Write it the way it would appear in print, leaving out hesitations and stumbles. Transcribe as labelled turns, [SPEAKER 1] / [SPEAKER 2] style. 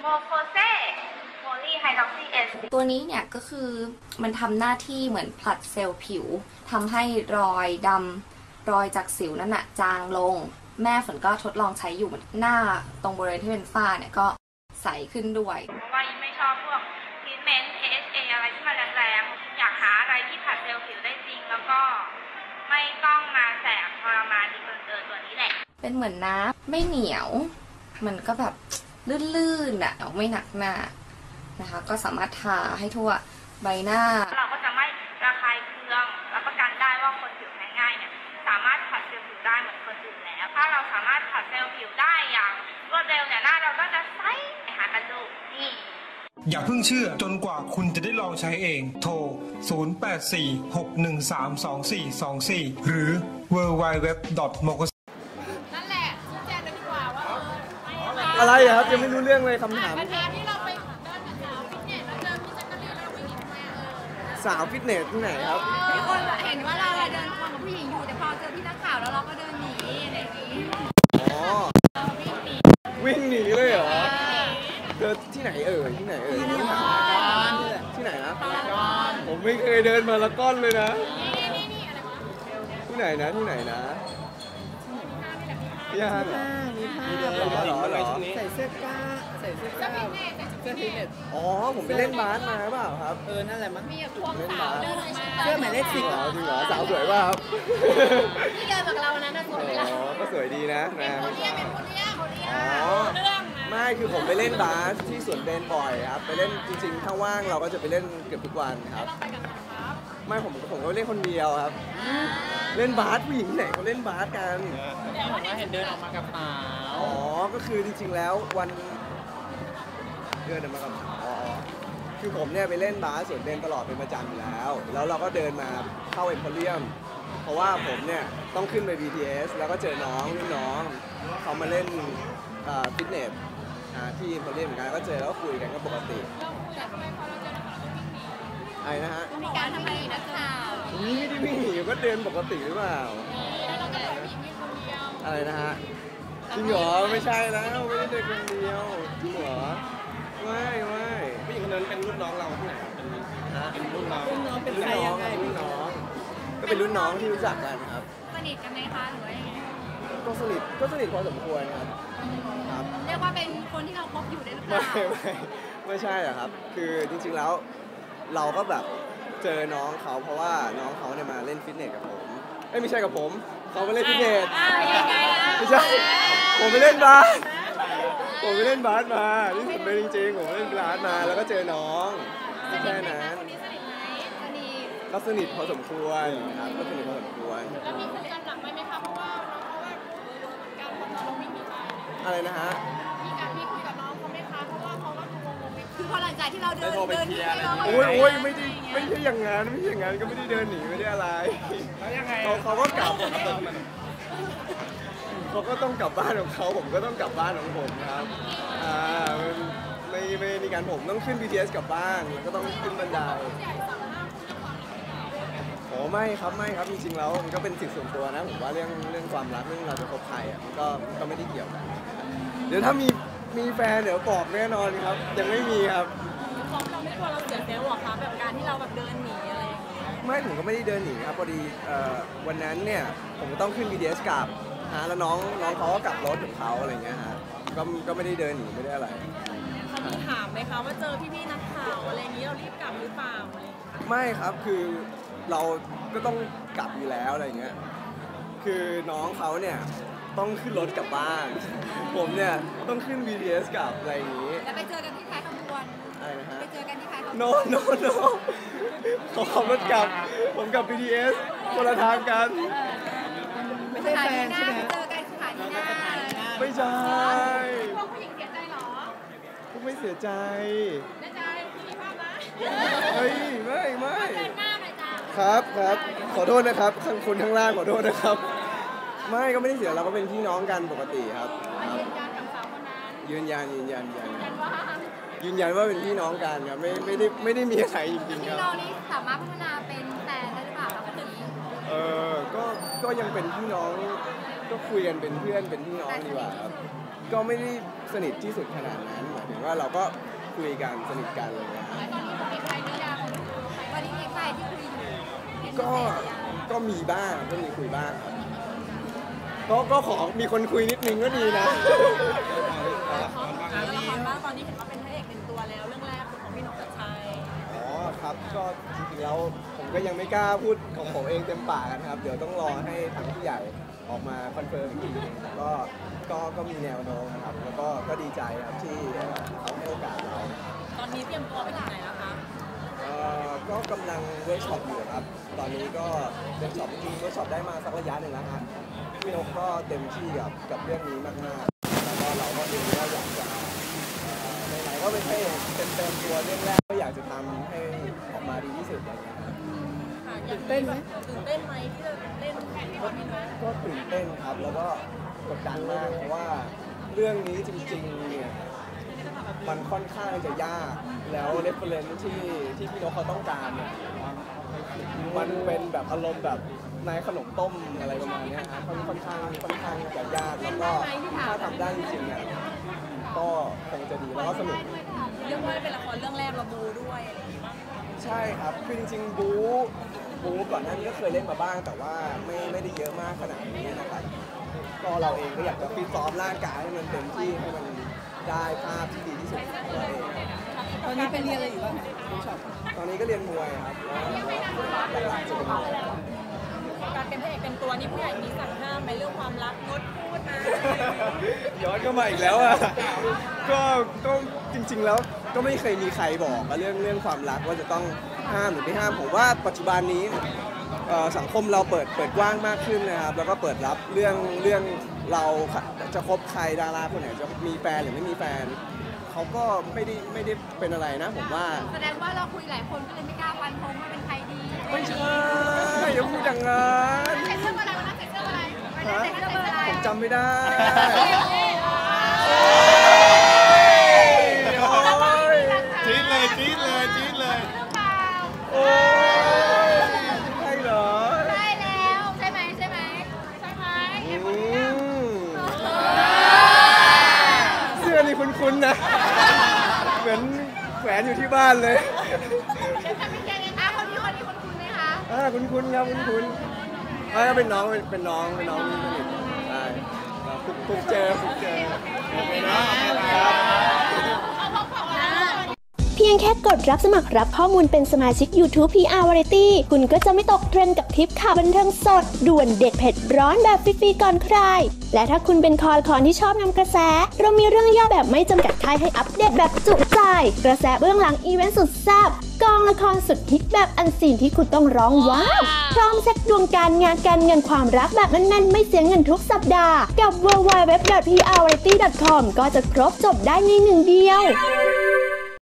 [SPEAKER 1] โมโคเซโพลีไฮดรอกซีเอส
[SPEAKER 2] ตัวนี้เนี่ยก็คือมันทำหน้าที่เหมือนผลัดเซลล์ผิวทำให้รอยดำรอยจากสิวนั่นน่ะจางลงแม่ฝนก็ทดลองใช้อยู่หน้าตรงบริเวณที่เป็นฝ้าเนี่ยก็ใสขึ้นด้วย
[SPEAKER 1] เพราะว่ายิ่งไม่ชอบพวกทรีทเมนต์ AHA อะไรที่มันแรงๆอยากหาอะไรที่ผลัดเซลล์ผิวได้จริงแล้วก็ไม่ต้องมาแสบทรมานดีเกินตัวนี้แหละ
[SPEAKER 2] เป็นเหมือนน้ำไม่เหนียวมันก็แบบลื่นๆอ่ะไม่หนักหน้านะคะก็สามารถทาให้ทั่วใบหน้า
[SPEAKER 1] เราก็จะไม่ระคายเคืองรับประกันได้ว่าคนผิวแพ้ง่ายเนี่ยสามารถผัดเซลล์ผิวได้เหมือนคนอื่นแล้วถ้าเราสามารถผัดเซลล์ผิวได้อย่างรวดเร็วเนี่ยหน้าเราก็จะใสหากันดูนี่
[SPEAKER 3] อย่าเพิ่งเชื่อจนกว่าคุณจะได้ลองใช้เองโทร 0846132424 หรือ www.mokos
[SPEAKER 4] อะไรครับยังไม่รู้เรื่องเลยคำถาม
[SPEAKER 5] ที่เราไปเดินกับสาวฟิตเนสแล้วเจอพี่แจ๊กกะลีนแล้วเราไปหญิงทำไม
[SPEAKER 4] สาวฟิตเนสที่ไหนครับ
[SPEAKER 5] มีคนเห็นว่าเราเดินควงกับผู้หญิงอยู่แต่พอเจอพี่นักข่าวแล้วเราก็เดินหนีอะไรอย่างนี้
[SPEAKER 4] อ๋อวิ่งหนีเลยเหรอเดินที่ไหนที่ไหนที่ไหนนะผมไม่เคยเดินมาละก้อนเลยนะที่ไหนนะย่างหรอ
[SPEAKER 6] ใส่เสื้อกล้าใส่เสื้อกล้าเสื้อฟิตเนส
[SPEAKER 4] อ๋อผมไปเล่นบาสมาเปล่าครับ
[SPEAKER 6] นั่นแหละมั้ง
[SPEAKER 5] มีพวกสาวเดินมา
[SPEAKER 6] เสื้อหมายเลข10
[SPEAKER 4] เหรอจริงเหรอสาวสวยป่ะครับ
[SPEAKER 5] ที่เดินกับเรานะน่าสวยไหมล่ะ
[SPEAKER 4] อ๋อก็สวยดีนะ
[SPEAKER 5] เป็นโพเลีย
[SPEAKER 4] อ๋อไม่คือผมไปเล่นบาสที่สวนเบนบ่อยครับไปเล่นจริงๆถ้าว่างเราก็จะไปเล่นเกือบทุกวันครับไม่ผมก็เล่นคนเดียวครับเล่นบาสผู้หญิงไหนเขาเล่นบาสกัน
[SPEAKER 6] ผมก็เห็นเดินออกมากับสาว
[SPEAKER 4] อ๋อก็คือจริงๆแล้ววันเดินออกมากับคือผมเนี่ยไปเล่นบาสสวนเบนตลอดเป็นประจำอยู่แล้วเราก็เดินมาเข้าเอ็มโพเรียมเพราะว่าผมเนี่ยต้องขึ้นไป BTS แล้วก็เจอน้องเขามาเล่นฟิตเนสที่เอ็มโพเรียมเหมือนกันก็เจอแล้วก็คุยกันก็ปกติไอ้นะฮะ
[SPEAKER 5] มีการทำอะไรนักข่าว
[SPEAKER 4] นี่ไม่ได้วิ่งหนีก็เดินปกติหรือเปล่าอะไรนะฮะจริงเหรอไม่ใช่แล้วไม่ได้เดินคนเดียวจริงเหรอไม่ผู้หญิงคนนั้นเป็นรุ่นน้องเราที่ไหนเป็นรุ่นน้อง
[SPEAKER 6] เป็นใครยังไง
[SPEAKER 4] รุ่นน้องก็เป็นรุ่นน้องที่รู้จักกันครับ
[SPEAKER 5] สนิทกันไหมคะหรือว่ายังไง
[SPEAKER 4] ก็สนิทพอสมควรครับ
[SPEAKER 5] เรียกว่าเป็นคนที่เราคบอยู่ได้หรือเปล่า
[SPEAKER 4] ไม่ใช่อะครับคือจริงๆแล้วเราก็แบบเจอน้องเขาเพราะว่าน้องเขาเนี่ยมาเล่นฟิตเนสกับผมไม่ใช่กับผมเขาไปเล่นฟิตเนสไม่ใช่ผมไปเล่นบาสมานี่ผมเป็นจริงๆผมเล่นบาสมาแล้วก็เจอน้องแค่นั้นก็สนิทพอสมควรครับก็สนิทพอสมควร
[SPEAKER 5] แล้วมีคุยกันหลังไหมคะเพราะว่าการของเราวิ่งหนีไป
[SPEAKER 4] อะไรนะฮะ
[SPEAKER 5] มีคุยกับน้องเขาไหมคะเพราะว่าเขาก็งงๆคือพอหลังจากที่เราเดินที่เรา
[SPEAKER 4] โอ้ยไม่ใช่อย่างนั้นก็ไม่ได้เดินหนีไม่ได้อะไรเขาก็กลับเขาก็ต้องกลับบ้านของเขาผมก็ต้องกลับบ้านของผมครับไม่มีการผมต้องขึ้น BTS กลับบ้านแล้วก็ต้องขึ้นบันไดโอ้ไม่ครับจริงๆแล้วมันก็เป็นสิทธิส่วนตัวนะผมว่าเรื่องความรักเรื่องเราจะคบใครมันก็ไม่ได้เกี่ยวกันเดี๋ยวถ้ามีแฟนเดี๋ยวบอกแน่นอนครับยังไม่มีครับ
[SPEAKER 5] เราไม่กลัวเราเสียเซลล์หรอคะแบบการที่เราแบบเดินหนีอะไรอย่างเงี้ย
[SPEAKER 4] ไม่ผมก็ไม่ได้เดินหนีครับพอดีวันนั้นเนี่ยผมต้องขึ้น BTS กลับแล้วน้องเขาก็กลับรถของเขาอะไรเงี้ยฮะก็ไม่ได้เดินหนีไม่ได้อะไร
[SPEAKER 5] เขามีถามไหมคะว่าเจอพี่นักข่าวอะไรอย่างนี้เรารีบกลับหรือเปล่าอะไร
[SPEAKER 4] ไม่ครับคือเราก็ต้องกลับอยู่แล้วอะไรเงี้ยคือน้องเขาเนี่ยต้องขึ้นรถกลับบ้านผมเนี่ยต้องขึ้น BTS กลับอะไรอย่างนี้
[SPEAKER 5] แล้วไปเจอกันที่ท้ายขบวน
[SPEAKER 4] อะไรนะฮะ
[SPEAKER 5] ไปเจอกันที่ท้ายขบวน
[SPEAKER 4] no เขาขับรถกลับผมกับ BTS คนละทางกัน
[SPEAKER 6] ไม่ใช่แฟนใช่ไหม
[SPEAKER 5] เจอกันสถานีหน้า
[SPEAKER 4] ไม่ใช่
[SPEAKER 5] พวกผู้หญิงเสียใจหรอ
[SPEAKER 4] พวกไม่เสียใจ
[SPEAKER 5] ไม่ใจมีภาพนะ
[SPEAKER 4] เฮ้ยไม่ครับขอโทษนะครับทั้งคนทั้งล่างขอโทษนะครับไม่ก็ไม่ได้เสียเราก็เป็นพี่น้องกันปกติครับ
[SPEAKER 5] ยืนยันกับสาวคนนั้น
[SPEAKER 4] ยืนยันว่าเป็นพี่น้องกันครับไม่ได้มีอะไรจริงๆครับ
[SPEAKER 5] เรานี่สามารถพัฒนาเป็นแฟนได้หรือเปล่าครับตอนนี้
[SPEAKER 4] ก็ยังเป็นพี่น้องก็คุยกันเป็นเพื่อนเป็นพี่น้องดีกว่าครับก็ไม่ได้สนิทที่สุดขนาดนั้นหมายถึงว่าเราก็คุยกันสนิทกันอะไรเงี้ย
[SPEAKER 5] ตอนนี้มีใครหรือยังตอนนี้มีใครที่คุยอยู่
[SPEAKER 4] ก็มีบ้างก็มีคุยบ้างครับก็ขอมีคนคุยนิดนึงก็ดีนะ
[SPEAKER 5] แล้วละครบ้างตอนนี้เห็นว่าเป็นพระเอกเป็นตัวแล้วเรื่องแรกของพี่นกชัดชัย
[SPEAKER 4] อ๋อครับก็จริงๆแล้วผมก็ยังไม่กล้าพูดของผมเองเต็มปากนะครับเดี๋ยวต้องรอให้ทางผู้ใหญ่ออกมาคอนเฟิร์มอีกทีนึงก็มีแนวโน้มนะครับแล้วก็ดีใจครับที่เขาให้โอกาสเรา
[SPEAKER 5] ตอนนี้เตรียมตัวไปถึงไหนแล้วคะ
[SPEAKER 4] ก็กำลังเวิร์กช็อปอยู่ครับตอนนี้ก็เวิร์กช็อปจริงๆเวิร์กช็อปได้มาสักระยะหนึ่งแล้วฮะพี่นกก็เต็มที่กับเรื่องนี้มากๆแล้วก็เราก็เองก็อยากจะไหนๆก็เป็นให้เต็มตัวเรื่องแรกก็อยากจะทำให้ออกมาดีที่สุดอะไรอย่างเงี้ยครับ
[SPEAKER 5] ตื่นเต้นไหมที่จะเล่น
[SPEAKER 4] ก็ตื่นเต้นครับแล้วก็กดดันมากเพราะว่าเรื่องนี้จริงๆเนี่ยมันค่อนข้างจะยากแล้วเรฟเฟอเรนซ์ที่พี่นกเขาต้องการเนี่ยมันเป็นแบบอารมณ์แบบในขนมต้มอะไรประมาณนี้ครับค่อนข้างจะยากแล้วก็ถ้าทำได้จริงๆเนี่ยก็คงจะดีแล้วก็สนุก
[SPEAKER 5] เรียกว่าเป็นละครเรื่องแรกเราบูด้วยอะไรอย่างงี้บ้าง
[SPEAKER 4] ใช่ครับคือจริงๆบูก่อนหน้านี้ก็เคยเล่นมาบ้างแต่ว่าไม่ได้เยอะมากขนาดนี้นะครับก็เราเองก็อยากจะฟิตซ้อมร่างกายให้มันเต็มที่ให้มันได้ภาพที่ดีที่สุดของเราเอง
[SPEAKER 6] ตอนนี้ไปเรียนอะไรอยู่บ้าง
[SPEAKER 4] ตอนนี้ก็เรียนมวยครับหลักๆจะเป็นมวย
[SPEAKER 5] การเป็นพระเอกเป็นตัวนี่ผู้ใหญ่มีสั่งห้ามไหมเรื่องความรักงดพูดนะ
[SPEAKER 4] ย้อนเข้ามาอีกแล้วอ่ะก็จริงๆแล้วก็ไม่เคยมีใครบอกเรื่องความรักว่าจะต้องห้ามหรือไม่ห้ามผมว่าปัจจุบันนี้สังคมเราเปิดกว้างมากขึ้นนะครับแล้วก็เปิดรับเรื่องเราจะคบใครดาราคนไหนจะมีแฟนหรือไม่มีแฟนเขาก็ไม่ได้เป็นอะไรนะผมว่า
[SPEAKER 5] แสดงว่าเราคุยหลายคนก็เลยไม่กล้าฟันธงว่าเป็นใครดี
[SPEAKER 4] ไม่ใช่อย่าพูดอย่างนั้น
[SPEAKER 5] ใส่เสื้ออะไรวันนั้นใส่เสื้ออะไร
[SPEAKER 4] ผมจำไม่ได้
[SPEAKER 3] จี๊ดเลย
[SPEAKER 4] โอ้ใช่เหรอ
[SPEAKER 5] ใช่แล้วใช่ไหม
[SPEAKER 4] เสื้อนี่คุ้นๆนะเหมือนแขวนอยู่ที่บ้านเลย
[SPEAKER 5] คนนี้คุ้นไหมคะ
[SPEAKER 4] คุ้นครับคุ้นก็เป็นน้องนี่สนิทใช่คุกเจอ
[SPEAKER 7] เพียงแค่กดรับสมัครรับข้อมูลเป็นสมาชิก YouTube PR Variety คุณก็จะไม่ตกเทรนด์กับทริปข่าวบันเทิงสดด่วนเด็ดเผ็ดร้อนแบบฟรีๆก่อนใครและถ้าคุณเป็นคอละครที่ชอบนำกระแสเรามีเรื่องย่อแบบไม่จำกัดค่ายให้อัปเดตแบบจุใจกระแสเบื้องหลังอีเวนต์สุดแซ่บกองละครสุดฮิตแบบอันซีนที่คุณต้องร้องว้าวพร้อมเช็คดวงการงานการเงินความรักแบบแน่นๆไม่เสียเงินทุกสัปดาห์กับ www.prvariety.com ก็จะครบจบได้ในหนึ่งเดียว